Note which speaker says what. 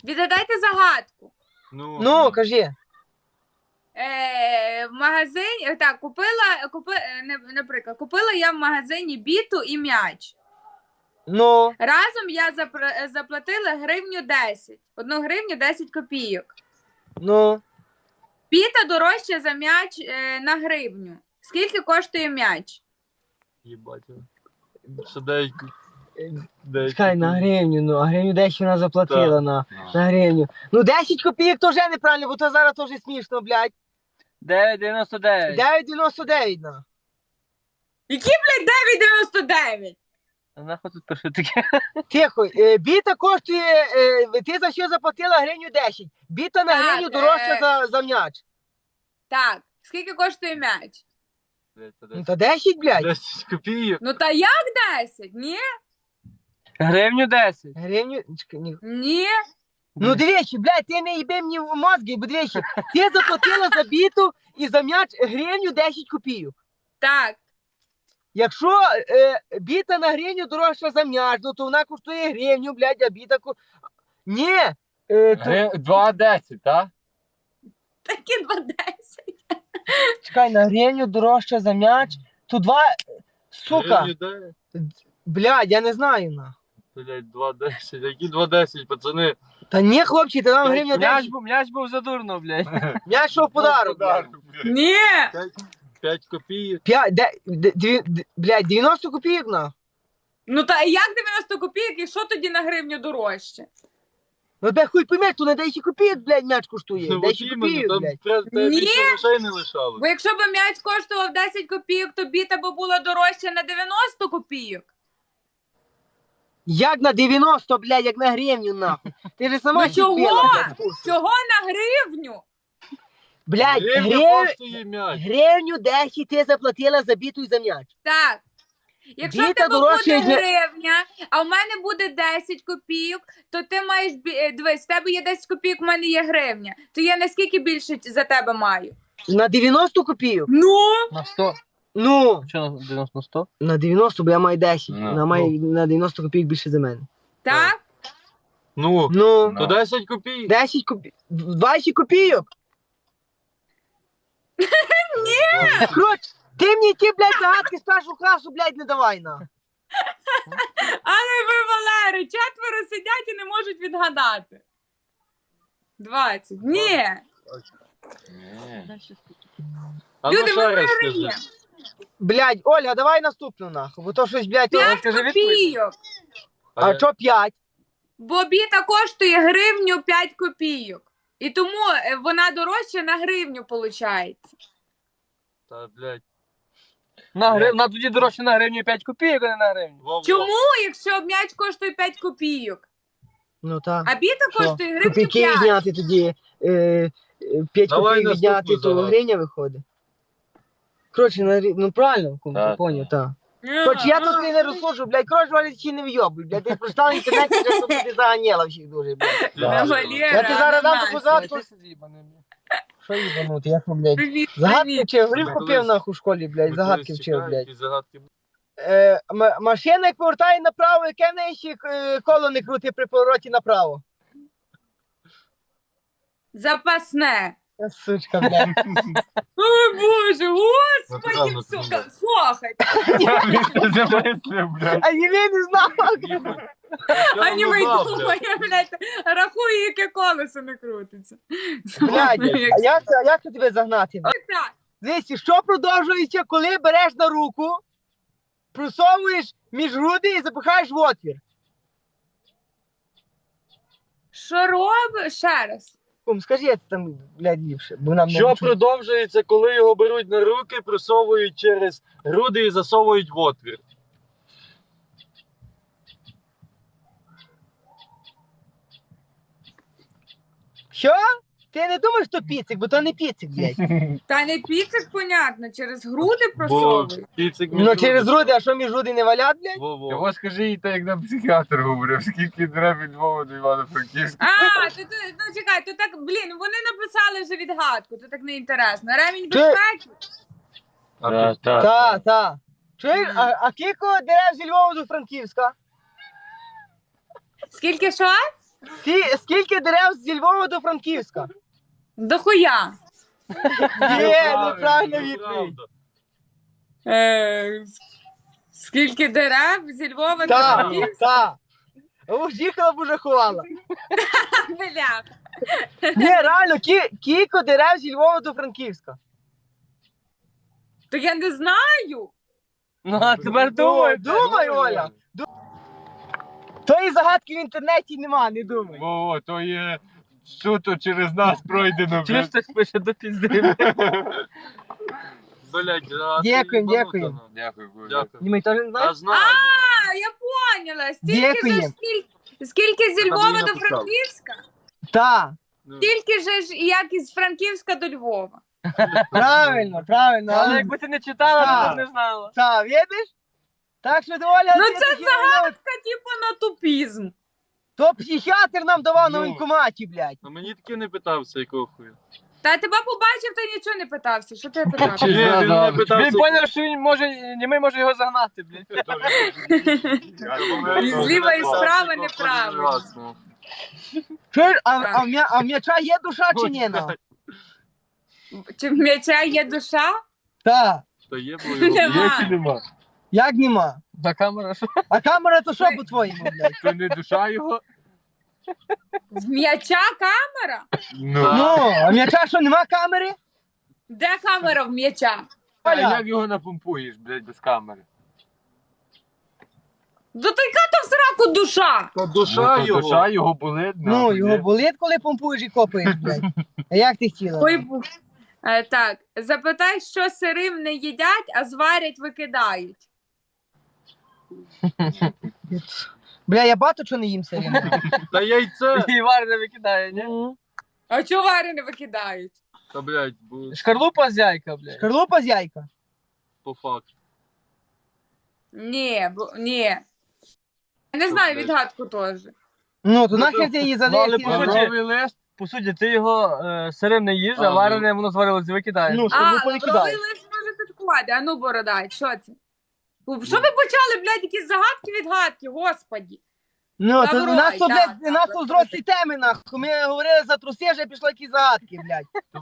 Speaker 1: Відгадайте загадку.
Speaker 2: Ну, кажи.
Speaker 1: В магазині, так, наприклад, купила я в магазині біту і м'яч.
Speaker 2: Ну.
Speaker 1: Разом я заплатила гривню 10. 1 гривню 10 копійок.
Speaker 2: Ну.
Speaker 1: Біта дорожча за м'яч на гривню. Скільки коштує м'яч?
Speaker 3: Єбать. Що деякі.
Speaker 2: Чекай, на гривню, ну, а гривню 10 вона заплатила на гривню. Ну, 10 копійок то вже неправильно, бо то зараз теж смішно, блядь.
Speaker 4: 9,99.
Speaker 2: 9,99, на.
Speaker 1: Які, блядь, 9,99?
Speaker 4: А нахуй тут пишу таке?
Speaker 2: Тихо, біта коштує, ти за що заплатила гривню 10? Біта на
Speaker 1: Так,
Speaker 2: гривню дорожча за м'яч.
Speaker 1: Так, скільки коштує м'яч?
Speaker 2: Ну, та 10, блядь.
Speaker 3: 10 копійок.
Speaker 1: Ну, та як 10? Ні?
Speaker 4: Гривню 10.
Speaker 2: Гривню, чекай, ні.
Speaker 1: Ні?
Speaker 2: Ну, двічі, блядь, ти не їби мені в мозги, бо двічі. Ти заплатила за біту і за м'яч гривню 10 копійок.
Speaker 1: Так.
Speaker 2: Якщо біта на гривню дорожча за м'яч, ну, то вона коштує гривню, блядь, а біта Ні.
Speaker 4: 2,10, так?
Speaker 1: Такі 2,10.
Speaker 2: Чекай, на гривню дорожча за м'яч, то 2... Сука.
Speaker 3: Гривню дай.
Speaker 2: Блядь, я не знаю, на.
Speaker 3: Блядь, 2,10. Які 2,10, пацани?
Speaker 2: Та ні, хлопці, та нам гривня 10.
Speaker 4: М'яч був задурно, блядь.
Speaker 2: М'яч що в подарок, блядь.
Speaker 1: Ні.
Speaker 3: 5 копійок.
Speaker 2: Блядь, 90 копійок, на.
Speaker 1: Ну, та як 90 копійок і що тоді на гривню дорожче?
Speaker 2: Ну, де хуй поймеш, то на 10 копійок, блядь, м'яч коштує.
Speaker 3: Ну,
Speaker 2: 10
Speaker 3: от іменно,
Speaker 2: копійок, блядь.
Speaker 3: там
Speaker 1: Ні.
Speaker 3: більше грошей не лишало.
Speaker 1: Бо якщо б м'яч коштував 10 копійок, то біта б була дорожча на 90 копійок.
Speaker 2: Як на 90, блядь, як на гривню, нахуй. Ти ж сама
Speaker 1: Ну чого?
Speaker 2: чіпила, блядь, курсу.
Speaker 1: Чого на гривню?
Speaker 2: Блядь,
Speaker 3: Гривня коштує м'яч.
Speaker 2: гривню 10 ти заплатила за біту і за м'яч.
Speaker 1: Так. Якщо
Speaker 2: Біта
Speaker 1: в тебе
Speaker 2: дорожча,
Speaker 1: буде
Speaker 2: як
Speaker 1: гривня, а в мене буде 10 копійок, то ти маєш, дивись, в тебе є 10 копійок, в мене є гривня. То я наскільки більше за тебе маю?
Speaker 2: На 90 копійок?
Speaker 1: Ну?
Speaker 4: На 100.
Speaker 2: Ну,
Speaker 4: Що на 90 на 100?
Speaker 2: на 90, бо я маю 10.
Speaker 4: Ну,
Speaker 2: Вона має на 90 копійок більше за мене.
Speaker 1: Так?
Speaker 3: Ну,
Speaker 2: Ну,
Speaker 3: то 10 копійок.
Speaker 2: 10 копійок. 20 копійок?
Speaker 3: Ні!
Speaker 2: Коротше, ти мені ті, блядь, загадки з першого класу, блядь, не давай, на.
Speaker 1: Але ви, Валери, 4 сидять і не можуть відгадати. 20. Ні.
Speaker 3: А
Speaker 1: Люди,
Speaker 3: ну ще
Speaker 1: ми
Speaker 3: раз
Speaker 1: виграємо.
Speaker 3: скажи.
Speaker 2: Блядь, Ольга, давай наступну, нахуй, бо то щось, блядь,
Speaker 1: 5
Speaker 4: скажи
Speaker 1: копійок.
Speaker 2: а що 5?
Speaker 1: Бо біта коштує гривню 5 копійок. І тому вона дорожча на гривню, виходить.
Speaker 3: Та, блядь.
Speaker 4: На тоді дорожче на гривню 5 копійок, а не на гривню.
Speaker 3: Во-во.
Speaker 1: Чому, якщо м'яч коштує 5 копійок?
Speaker 2: Ну так.
Speaker 1: А біта коштує гривню
Speaker 2: Копійки
Speaker 1: 5.
Speaker 2: відняти тоді, 5
Speaker 3: Давай
Speaker 2: копійок відняти,
Speaker 3: наступну
Speaker 2: то
Speaker 3: загадку.
Speaker 2: гривня виходить. Коротше, ну правильно,
Speaker 4: Так.
Speaker 2: поняв, так. Коротше, я тут не розсуджу, блядь, коротше, Валя, чи не вйобуй, блядь, ти прочитав в інтернеті, вже тут ти заганяла всіх дуже, блядь.
Speaker 1: Не Валера,
Speaker 2: Я ти зараз дам
Speaker 1: не
Speaker 2: таку
Speaker 1: Настя.
Speaker 2: загадку. Що їбанути, я що, блядь?
Speaker 1: Привіт,
Speaker 2: Загадки
Speaker 1: привіт.
Speaker 2: вчив, горілку
Speaker 3: Колись-
Speaker 2: пив нахуй в школі, блядь,
Speaker 3: Ми
Speaker 2: загадки
Speaker 3: колись
Speaker 2: вчив,
Speaker 3: чекали,
Speaker 2: блядь.
Speaker 3: які загадки.
Speaker 2: Машина, як повертає направо, яке в неї ще коло не крути при повороті направо.
Speaker 1: Запасне.
Speaker 2: Сучка, блядь.
Speaker 1: Ой, Боже, господи,
Speaker 3: Натурально,
Speaker 1: сука,
Speaker 3: натурально.
Speaker 1: слухайте.
Speaker 2: А я не знав.
Speaker 1: А ні, ми
Speaker 3: знав,
Speaker 1: думає, блядь, рахує, яке колесо не крутиться.
Speaker 2: Блядь, а як це тебе загнати?
Speaker 1: Так,
Speaker 2: Дивіться, що продовжується, коли береш на руку, просовуєш між груди і запихаєш в отвір?
Speaker 1: що робиш? Ще раз.
Speaker 2: Кум, скажи це там, блядь, ліпше, бо нам не
Speaker 3: Що
Speaker 2: чути.
Speaker 3: продовжується, коли його беруть на руки, просовують через груди і засовують в отвір?
Speaker 2: Що? Ти не думаєш, що піцик, бо то не піцик, блядь.
Speaker 1: Та не піцик, понятно, через груди
Speaker 3: Бо
Speaker 1: просовують.
Speaker 3: кіцик
Speaker 2: Ну через груди, а що між груди не валять, блядь?
Speaker 3: Во-во.
Speaker 4: Його скажи їй так, як нам психіатр говорив, скільки треба від Львова до Івано-Франківська.
Speaker 1: Ну чекай, то так, блін, вони написали вже відгадку, то так не інтересно. Ремінь
Speaker 2: Ти-
Speaker 1: безпеки?
Speaker 2: Та. Чуєш, а кілько дерев зі Львова до Франківська?
Speaker 1: Скільки що?
Speaker 2: Скільки дерев зі Львова до Франківська?
Speaker 1: Дохуя.
Speaker 2: Є, неправильно відповідь.
Speaker 3: Правда.
Speaker 1: Скільки дерев зі Львова до
Speaker 2: Так,
Speaker 1: Франківська?
Speaker 2: так. Уж їхала б уже ховала.
Speaker 1: Бля.
Speaker 2: Ні, реально, кілько дерев зі Львова до Франківська.
Speaker 1: То я не знаю.
Speaker 2: Ну, а тепер думай, Оля. Тої загадки в інтернеті нема, не думай.
Speaker 4: Во, то є суто через нас пройдено.
Speaker 5: Чуєш, хтось пише до пізди.
Speaker 3: Блядь, а ти
Speaker 2: Дякуємо,
Speaker 3: їбанута,
Speaker 2: дякуємо.
Speaker 3: ну.
Speaker 4: Дякую, Коля.
Speaker 3: Дякую.
Speaker 2: Ні, ми теж не знаємо.
Speaker 3: Та знаю.
Speaker 1: А, я поняла.
Speaker 2: Дякуємо.
Speaker 1: Скільки зі
Speaker 3: Та
Speaker 1: Львова
Speaker 3: мені
Speaker 1: до
Speaker 3: написав.
Speaker 1: Франківська?
Speaker 2: Так,
Speaker 3: Ну.
Speaker 1: Стільки ж, як із Франківська до Львова.
Speaker 2: правильно.
Speaker 5: Але якби ти не читала,
Speaker 2: Так.
Speaker 5: то б не знала.
Speaker 2: Так, видиш? Так що Оля...
Speaker 1: Ну,
Speaker 2: ти
Speaker 1: це
Speaker 2: таки говорила,
Speaker 1: Типу на тупізм.
Speaker 2: то психіатр нам давав на
Speaker 3: Ну.
Speaker 2: воєнкоматі, блядь.
Speaker 3: А мені таки не питався, якого хуя.
Speaker 1: Та тебе побачив, ти нічого не питався. Що ти питав?
Speaker 3: Ні, він не питався.
Speaker 5: Він поняв, що він може, німий може його загнати, блядь.
Speaker 1: І зліва, і справа неправильно.
Speaker 2: Чуєш,
Speaker 1: Так.
Speaker 2: а в м'яча є душа чи ні? на?
Speaker 1: Чи в м'яча є душа?
Speaker 2: Так.
Speaker 3: Та є, бо його
Speaker 1: Нема.
Speaker 4: Нема.
Speaker 2: Як нема?
Speaker 5: На камера, що?
Speaker 2: А камера то що по-твоєму, блядь?
Speaker 4: То не душа його.
Speaker 1: В м'яча камера?
Speaker 4: Ну.
Speaker 2: Ну, а в м'яча що, нема камери?
Speaker 1: Де камера в м'яча?
Speaker 4: А
Speaker 2: Оля.
Speaker 4: як його напомпуєш, блядь, без камери?
Speaker 1: До то яка то в сраку душа?
Speaker 3: Та душа
Speaker 4: Ну, то
Speaker 3: його.
Speaker 4: душа його болить.
Speaker 2: Ну,
Speaker 4: нахуй,
Speaker 2: його
Speaker 4: є.
Speaker 2: болить, коли помпуєш і копаєш, блядь. А як ти хотіла?
Speaker 1: Ой, так, запитай, що сирим не їдять, а зварять, викидають.
Speaker 2: Бля, я багато чого не їм сирим.
Speaker 3: Та яйце.
Speaker 5: І варене викидає, ні?
Speaker 1: А чого варене викидають?
Speaker 3: Та, блядь, бо
Speaker 5: Шкарлупа з яйка, блядь.
Speaker 2: Шкарлупа з яйка.
Speaker 3: по факту.
Speaker 1: Ні. Я не знаю відгадку теж.
Speaker 2: Ну, то нахер ти її
Speaker 5: Ну, але по
Speaker 2: залишиш.
Speaker 5: суті-
Speaker 4: Лавровий лист.
Speaker 5: По суті, ти його сирим не їж, а
Speaker 3: А,
Speaker 5: варене воно зварилось і викидаєш.
Speaker 2: Ну,
Speaker 1: А,
Speaker 2: шкарлупу не
Speaker 1: лавровий
Speaker 2: кидай.
Speaker 1: лист може підклади. А ну, бородай, що це? Що ви почали, блядь, якісь загадки-відгадки, господі?
Speaker 2: Ну, то
Speaker 1: Лавровий,
Speaker 2: у нас то,
Speaker 1: так,
Speaker 2: блядь, у нас то зрослі теми, нахуй. Ми говорили за труси, вже пішло якісь загадки, блядь.